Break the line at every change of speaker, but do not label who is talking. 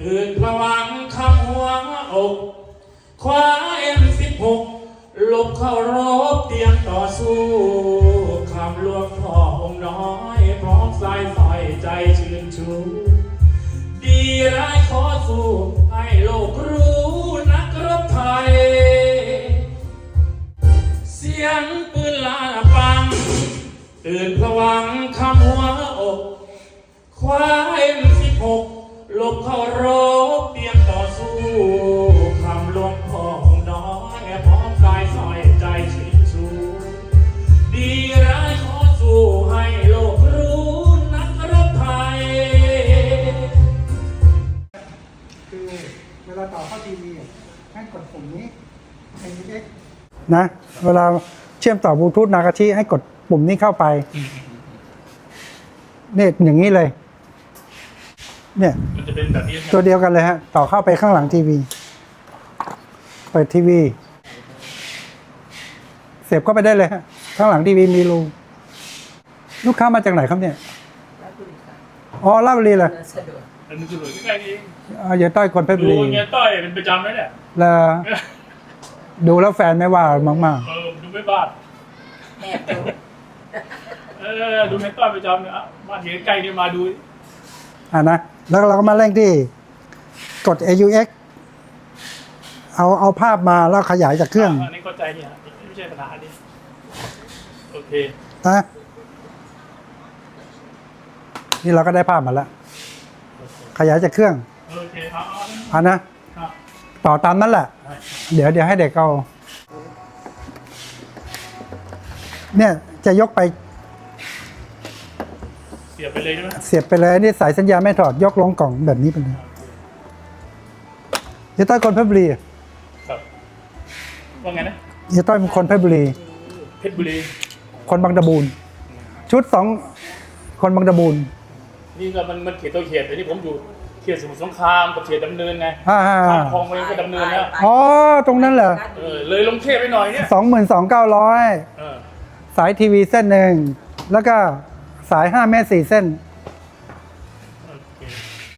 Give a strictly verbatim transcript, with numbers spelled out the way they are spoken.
ตื่นพวังคำหัวอกคว้าเอ็มสิบหกลบเข้ารบเตรียมต่อสู้คำลวงพ่อองค์น้อยพร้อมสายสอยใจชื่นชูดีร้ายขอสู้ให้โลกรู้นักรบไทยเสียงปืนลาปังตื่นพวังคำหัวอกคว้าเอ็มสิบหกลบเข้ารบเตรียมต่อสู้คำหลวงพ่อองค์น้อยพร้อมกายสอยใจชื่นชูดีร้ายขอสู้ให้โลกรู้นักรบไทย
คือเวลาต่อเข้าทีวีให้กดปุ่มนี้ เอ็น เอ็กซ์ นะเวลาเชื่อมต่อบลูทูธนากาชิให้กดปุ่มนี้เข้าไปเนี่ยอย่างนี้เลยเนี่ยมันจะเป็นแบบนี้ตัวเดียวกันเลยฮะต่อเข้าไปข้างหลังทีวีเปิดทีวีเสียบเข้าไปได้เลยฮะข้างหลังทีวีมีรูลูกค้ามาจากไหนครับเนี่ยอ๋อลาดบุรีเลย
มันจะหลุดใกล้ๆเอง
อ๋ออย่าต้อยคนเพชรบุรี
ดูเงี้ยต้อยเป็นประจำไหมเนี่ย
แล้วดูแล้วแฟนไม่ว่ามากๆ
เออดูไม่บ้านแอบดูเออดูเงี้ยต้อยประจำเนี่ยบ้านเงี้ยใกล้เนี่ยมาดู
อ่านะแล้วเราก็มาเร่งที่กด เอ ยู เอ็กซ์ เอาเอาภาพมาแล้วขยายจากเครื่อง
อันนี้เข้าใจเนี่ยไม่ใช่ปัญหาดิโอเค
นะนี่เราก็ได้ภาพมาแล้วขยายจากเครื่อง
โอเคเอา
อ่านะต่อตามนั้นแหละเดี๋ยวเดี๋ยวให้เด็กเอาเนี่ยจะยกไป
เสียบไปเลยใช่ไหม
เสียบไปเลยนี่สายสัญญาณไม่ถอดยกลงกล่องแบบนี้ไปเลยเฮียต้อยคนเพชรบุรี
ครับว่าไงนะ
เฮียต้อยเป็นคนเพชรบุรี
เพชรบุรี
คนบางตะบูนชุดสองคนบางตะบูน
นี่ก็มันมันเขตตัวเขตแต่ที่ผมอยู่เขตสมุทรสงครามกับเขตดำเนินไง
ข้
ามคลองไปก็ดำเนินแล้ว
อ๋อตรงนั้นเหรอ
เออเลยลงเทพไปหน่อยเนี่ย
สองหมื่นสองเก้าร้อยสายทีวีเส้นหนึ่งแล้วก็สายห้าเมตรสี่เส้น